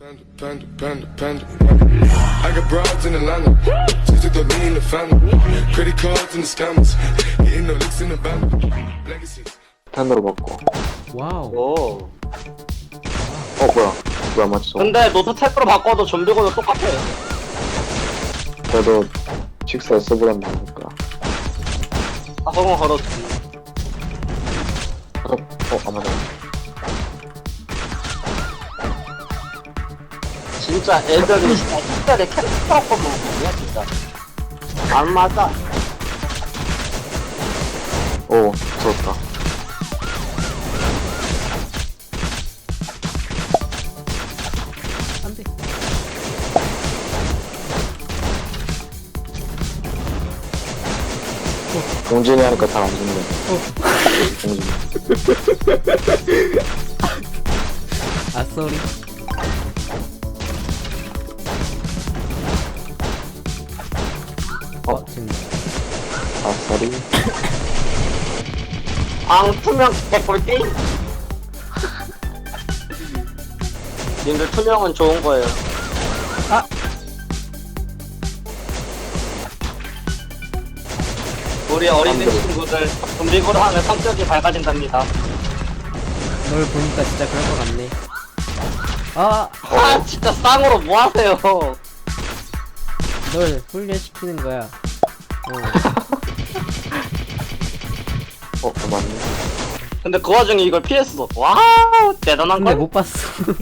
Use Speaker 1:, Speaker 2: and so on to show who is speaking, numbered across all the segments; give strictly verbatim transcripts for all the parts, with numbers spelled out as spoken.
Speaker 1: Panda, panda, panda, panda. I got broads in Atlanta. Just to throw me in the family. Credit cards and the scammers. Hitting the licks in the van. Legacies.
Speaker 2: 탄으로 먹고.
Speaker 3: 와우.
Speaker 4: 오.
Speaker 2: 어 뭐야? 뭐야 맞죠?
Speaker 4: 근데 노트 탭으로 바꿔도 좀비고도 똑같아.
Speaker 2: 그래도 직사 써보란 말이니까.
Speaker 4: 아, 성공 걸었지.
Speaker 2: 어, 어, 아 맞아.
Speaker 4: 진짜 애들이 진짜 특별히 캐릭터 거 먹는 진짜. 안 맞아.
Speaker 2: 오, 좋았다.
Speaker 3: 안돼.
Speaker 2: 공진이 하니까 잘 안 죽네. 공진.
Speaker 3: 아 쏘리. 어 지금
Speaker 2: 아싸리.
Speaker 4: 앙투명 개꿀 게임. 님들 투명은 좋은 거예요.
Speaker 3: 아!
Speaker 4: 우리 어린이
Speaker 2: 안 돼.
Speaker 4: 친구들 좀비고로 하면 성격이 밝아진답니다.
Speaker 3: 널 보니까 진짜 그럴 것 같네. 아,
Speaker 4: 아 진짜 쌍으로 뭐 하세요?
Speaker 3: 널 훈련시키는 거야. 어.
Speaker 2: 어, 어 맞네.
Speaker 4: 근데 그 와중에 이걸 피했어. 와우 대단한
Speaker 3: 근데
Speaker 4: 걸.
Speaker 3: 못 봤어.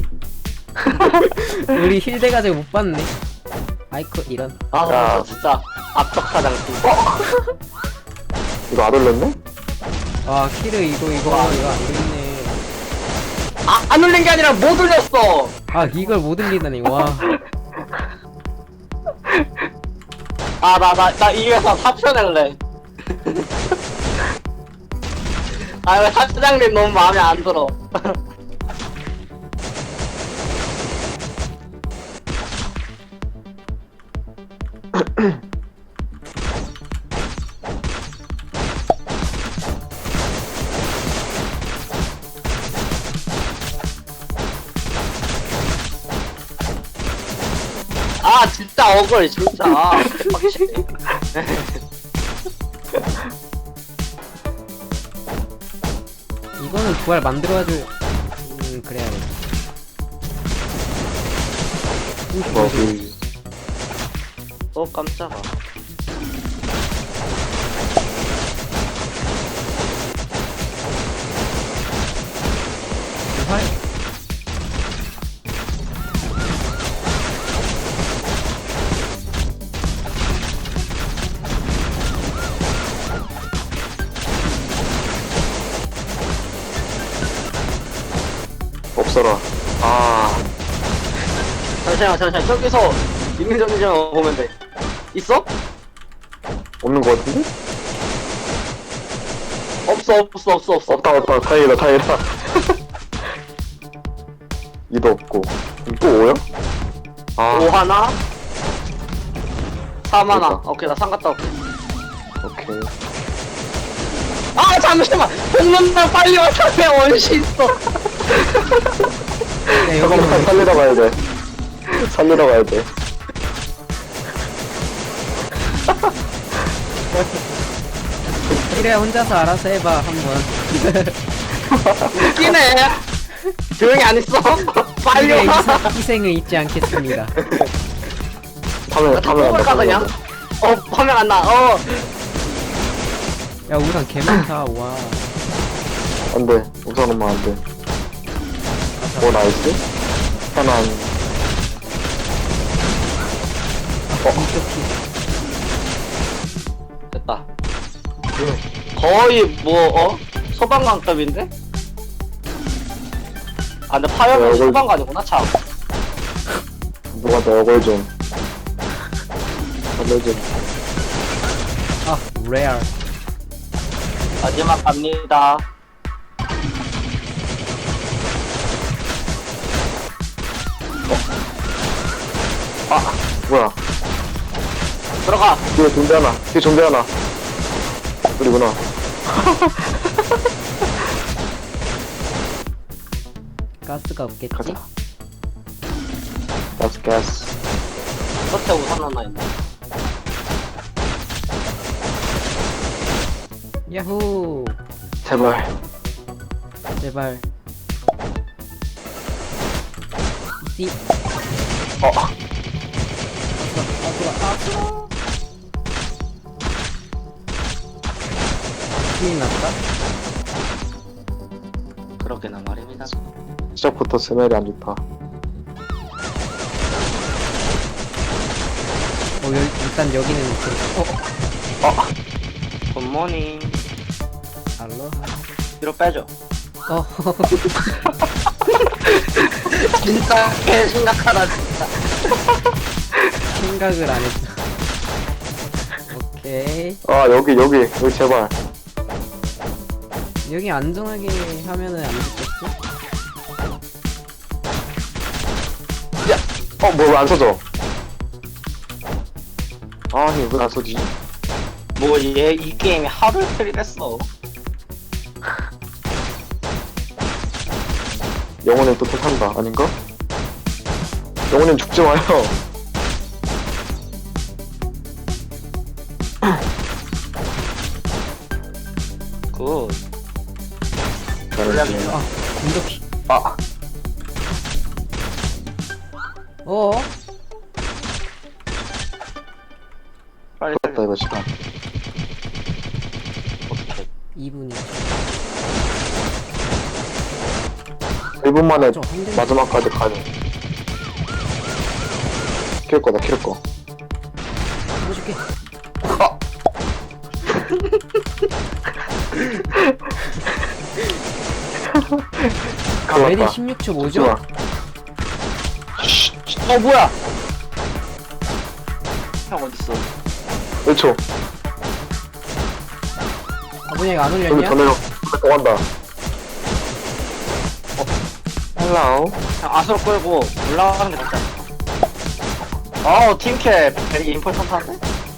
Speaker 3: 우리 힐 돼가지고 못 봤네. 아이코 이런.
Speaker 4: 아
Speaker 2: 야.
Speaker 4: 진짜 압력사 장치.
Speaker 2: 이거 안 올렸네?
Speaker 3: 아 키르 이거 이거 이거 안 되겠네.
Speaker 4: 아안 울린 게 아니라 못 울렸어.
Speaker 3: 아 이걸 못 올리다니 와.
Speaker 4: 아 나 나 나 이회사 사표낼래. 아 왜 사장님 너무 마음에 안 들어. 아 진짜 억울 진짜. 아, 개빡치네.
Speaker 3: 이거는 부활 만들어야지. 음 그래야 돼.
Speaker 2: 뭐, 그,
Speaker 4: 어 깜짝아.
Speaker 3: 부활.
Speaker 2: 없어라. 아,
Speaker 4: 잠시만 잠시만 저기서 있는 정지만 보면 돼. 있어?
Speaker 2: 없는 거 같은데?
Speaker 4: 없어 없어 없어 없어.
Speaker 2: 없다, 없다. 다행이다, 다행이다. 이도 없고. 그럼 또 오요? 아,
Speaker 4: 오 하나. 삼 하나.
Speaker 2: 됐다.
Speaker 4: 오케이 나 삼 갔다 올게.
Speaker 2: 오케이.
Speaker 4: 아 잠시만. 복문만 빨리 와서 내 원시 있어.
Speaker 3: 야 여기
Speaker 2: 잠깐만, 살리러 가야 돼. 살리러 가야 돼.
Speaker 3: 키르야 혼자서 알아서 해봐 한번.
Speaker 4: 웃기네. 조용히 안 있어. 빨리
Speaker 3: 키르의
Speaker 4: 와.
Speaker 3: 희생, 희생을 잊지 않겠습니다.
Speaker 2: 파면, 파면 안 돼.
Speaker 4: 가 그냥. 어 화면 안 나. 어.
Speaker 3: 야 우산 개 많다 와.
Speaker 2: 안 돼. 우선 엄마 안 돼. 오, 나이스. 편안.
Speaker 4: 됐다. 거의 뭐 어? 소방관급인데? 아 근데 파열은
Speaker 2: 얼굴-
Speaker 4: 소방관이구나 참.
Speaker 2: 누가 내 얼굴 좀. 살려줘.
Speaker 3: 아 레알.
Speaker 4: 마지막 갑니다.
Speaker 2: 아, 뭐야.
Speaker 4: 들어가.
Speaker 2: 뒤에 좀비 하나. 뒤에 좀비 하나. 우리구나.
Speaker 3: 가스가 없겠지?
Speaker 2: 가자. 가스 가스.
Speaker 4: 끝에 우산 하나 있네.
Speaker 3: 야호.
Speaker 2: 제발.
Speaker 3: 제발. 띠.
Speaker 2: 어.
Speaker 3: 아프라 아프라. 큰일 났다.
Speaker 4: 그렇게나 말입니다.
Speaker 2: 시작부터 스멜이 안 좋다.
Speaker 3: 어, 여, 일단 여기는 그, 어,
Speaker 2: 어.
Speaker 4: 굿모닝.
Speaker 3: 알로하.
Speaker 4: 뒤로 빼줘.
Speaker 3: 어,
Speaker 4: 진짜 개 심각하다 진짜.
Speaker 3: 생각을 안 했어. 오케이.
Speaker 2: 아 여기 여기 여기 제발.
Speaker 3: 여기 안정하게 하면은 안 죽겠지?
Speaker 2: 어 뭐 왜 안 써져? 아니 왜 안 써지?
Speaker 4: 뭐 얘 이 게임이 하루 이틀이랬어.
Speaker 2: 영혼은 또 탄다 아닌가? 영혼은 죽지 마요.
Speaker 4: 굿.
Speaker 2: 잘했지.
Speaker 3: 아, 공격기.
Speaker 2: 아
Speaker 3: 어?
Speaker 4: 빨리
Speaker 2: 됐다 이거 시간.
Speaker 4: 어떻게?
Speaker 3: 이 분이.
Speaker 2: 일 분 만에
Speaker 3: 저 한대
Speaker 2: 마지막까지 가는. 킬 거다 킬 거.
Speaker 3: 해줄게.
Speaker 2: 아!
Speaker 3: 레디
Speaker 2: 갈랐다.
Speaker 3: 십육 초
Speaker 2: 죽지
Speaker 3: 뭐죠?
Speaker 2: 마.
Speaker 4: 어 뭐야? 형 어딨어?
Speaker 2: 일 초.
Speaker 3: 아, 뭐냐, 이거 안
Speaker 2: 여기
Speaker 3: 올렸냐?
Speaker 2: 더 내려. 더 간다. 어. 헬로우.
Speaker 4: 형 아수로 끌고 올라가는 게 낫지 않을까? 아우 팀캐 되게 임포턴트한데?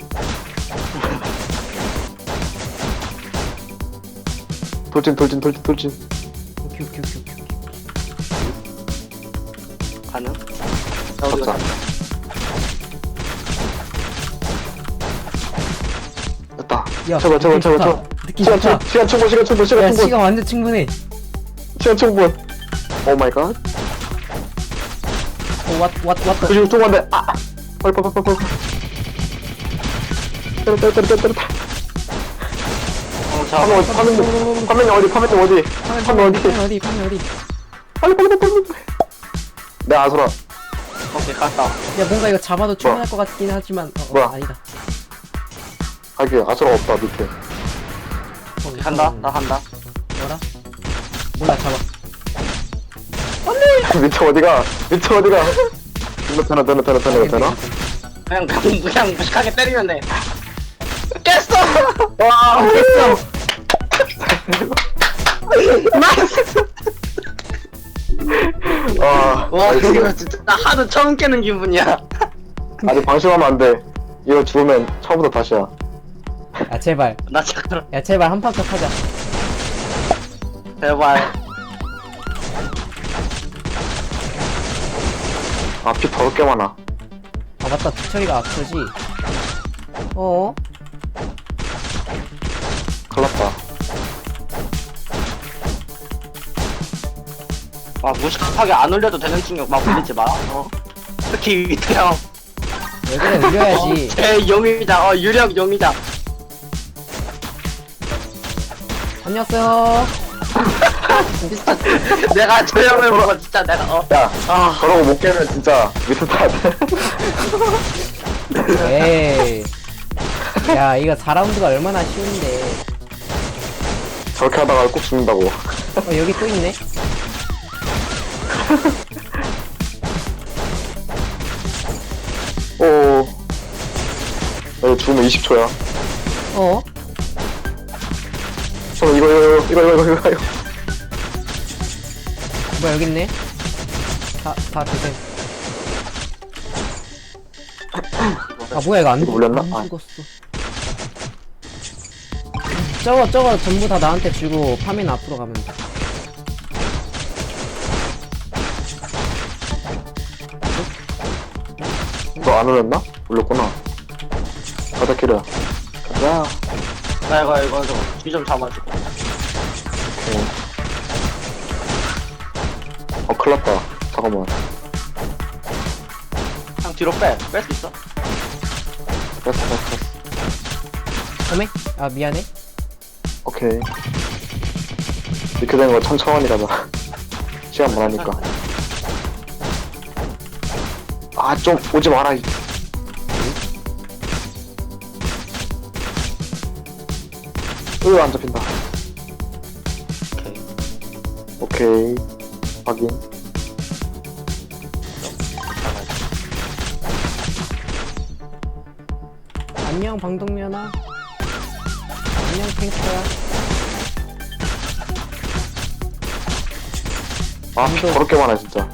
Speaker 2: 돌진 돌진 돌진 돌진.
Speaker 3: 오케이, 오케이, 오케이, 오케이.
Speaker 4: 가능?
Speaker 2: 잡자. 됐다.
Speaker 3: 야,
Speaker 2: 제발 제발
Speaker 3: 느낌
Speaker 2: 제발
Speaker 3: 좋다.
Speaker 2: 제발.
Speaker 3: 느낌
Speaker 2: 시간
Speaker 3: 좋다.
Speaker 2: 충 시간 충분 시간 충분 시간
Speaker 3: 야,
Speaker 2: 충분
Speaker 3: 시간 완전 충분해.
Speaker 2: 시간 충분. 오 마이 갓.
Speaker 3: 어, 왔, 왔, 왔다.
Speaker 2: 조심 조금만데. 아. 빨리 빨리 빨리 빨리. 때려 때려 때려 때려 때려.
Speaker 4: 어
Speaker 2: 파면
Speaker 4: 자,
Speaker 2: 어디 파면 파면이 어디 파면이 어디 파면 어디
Speaker 3: 파면 어디, 파면 어디.
Speaker 2: 빨리 빨리 빨리 빨리. 내 아소라.
Speaker 4: 오케이 갔다.
Speaker 3: 야, 뭔가 이거 잡아도 충분할 것 같긴 하지만, 어, 어,
Speaker 2: 뭐야?
Speaker 3: 아니다.
Speaker 2: 하긴 아소라 없다 밑에.
Speaker 3: 어,
Speaker 4: 간다.
Speaker 3: 이거는
Speaker 4: 나 간다.
Speaker 3: 뭐라? 몰라, 잡아.
Speaker 2: 밑에 어디가 밑에 어디가. 이거 되나 되나 되나 되나 이거 되나?
Speaker 4: 그냥 그냥 그냥 무식하게 때리면 돼. 깼어.
Speaker 2: 와
Speaker 3: 됐어!
Speaker 4: 나이스.
Speaker 2: 와,
Speaker 4: 와
Speaker 2: 나이스.
Speaker 4: 이거 진짜 나 하루 처음 깨는 기분이야.
Speaker 2: 아직 방심하면 안 돼. 이거 죽으면 처음부터 다시야.
Speaker 3: 야, 제발.
Speaker 4: 나 잠깐
Speaker 3: 야, 제발 한 판 더 하자.
Speaker 4: 제발.
Speaker 2: 아, 피 더럽게 많아.
Speaker 3: 아, 맞다. 두철이가 앞서지. 어?
Speaker 2: 큰일 났다.
Speaker 4: 와 무식하게 안 올려도 되는 충격 막 올리지 마. 어. 특히 위태 형.
Speaker 3: 왜 그래, 올려야지.
Speaker 4: 제 용의자. 어 유력 용의자.
Speaker 3: 안녕하세요.
Speaker 4: 진짜 내가 저 형을 보고 진짜 내가 어.
Speaker 2: 야,
Speaker 4: 아
Speaker 2: 저러고 못 깨면 진짜 밑에 다 돼.
Speaker 3: 에이. 야, 이거 사 라운드가 얼마나 쉬운데.
Speaker 2: 저렇게 하다가 꼭 죽는다고.
Speaker 3: 어, 여기 또 있네.
Speaker 2: 오. 이거 죽으면 이십 초야.
Speaker 3: 어?
Speaker 2: 저 이거, 이거, 이거, 이거, 이거, 이거, 이거.
Speaker 3: 뭐야, 여기 있네. 다, 다 드세요. 아, 뭐야, 이거 안,
Speaker 2: 이거 올렸나?
Speaker 3: 안
Speaker 2: 아.
Speaker 3: 죽었어. 저거, 저거 전부 다 나한테 주고 파면 앞으로 가면 돼.
Speaker 2: 너 안 올렸나? 올렸구나. 가자, 키르야. 가자.
Speaker 4: 나 이거 이거 이거 뒤좀 잡아줘.
Speaker 2: 오케이. 어, 큰일 났다. 잠깐만.
Speaker 4: 형 뒤로 빼. 뺄 수 있어?
Speaker 2: 뺐어, 뺐어.
Speaker 3: 어메? 아 미안해.
Speaker 2: 오케이. 이렇게 된 거 천천히 가자. 시간 많으니까. 아, 좀 오지 마라. 이. 으, 안 잡힌다.
Speaker 4: 오케이.
Speaker 2: 오케이. 확인.
Speaker 3: 안녕 방독면아. 안녕 탱크야.
Speaker 2: 아, 더럽게 많아, 진짜.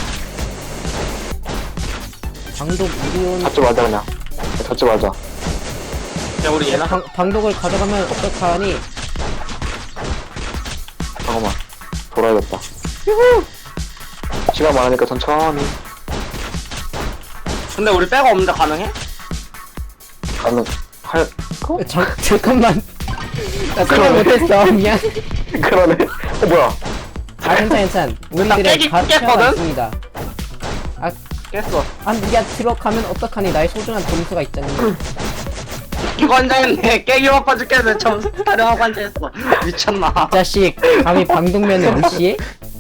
Speaker 3: 방독 이리온.
Speaker 2: 잡지 말자, 그냥. 잡지 말자.
Speaker 4: 야 우리 얘나
Speaker 3: 방, 방독을 가져가면 어떡하니?
Speaker 2: 잠깐만. 돌아야겠다. 시간 많으니까 천천히.
Speaker 4: 근데 우리 빼고 없는데 가능해?
Speaker 2: 가는, 할,
Speaker 3: 어, 잠, 잠깐만. 나 생각 못했어. 미안.
Speaker 2: 그러네. 어, 뭐야.
Speaker 3: 아 괜찮 괜찮. 우리들의
Speaker 4: 깨기-
Speaker 3: 가치가
Speaker 4: 깼거든?
Speaker 3: 있습니다. 아,
Speaker 4: 깼어.
Speaker 3: 아 야 들어가면 어떡하니? 나의 소중한 점수가 있잖니.
Speaker 4: 이거 앉아있네. 깨기 먹고 죽겠네. 점수 타령하고 앉아있어. 미쳤나?
Speaker 3: 자식, 감히 방독면을 무시해?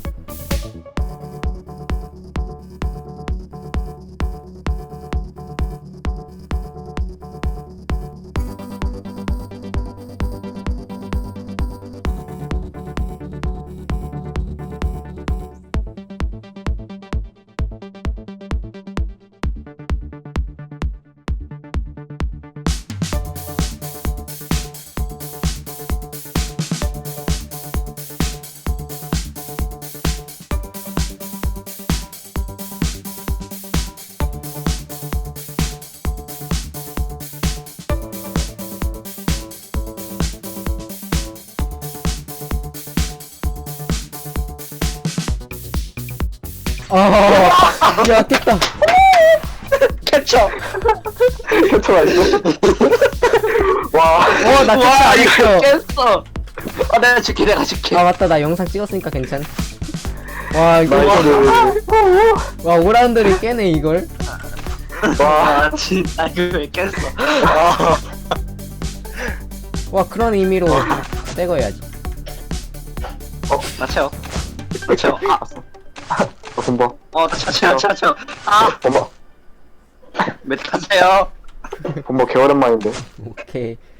Speaker 3: 어, 야 됐다.
Speaker 4: 캡처.
Speaker 2: 캡처가 있어? 와.
Speaker 3: 어, 나 진짜
Speaker 4: 와
Speaker 3: 안
Speaker 4: 이거
Speaker 3: 했어.
Speaker 4: 깼어. 아 내가 줄게 내가 줄게.
Speaker 3: 아 맞다, 나 영상 찍었으니까 괜찮. 와 이거
Speaker 2: 나이스.
Speaker 3: 와 오 라운드를 깨네 이걸.
Speaker 2: 와.
Speaker 4: 아 진짜 이거 왜 깼어. 아.
Speaker 3: 와 그런 의미로 떼거야지.
Speaker 4: 나 채워. 나 채워. 아.
Speaker 2: 어, 본봐.
Speaker 4: 어나 채워 채워 채워. 아
Speaker 2: 본봐.
Speaker 4: 메디 타세요.
Speaker 2: 본봐, 개오랜만인데.
Speaker 3: 오케이.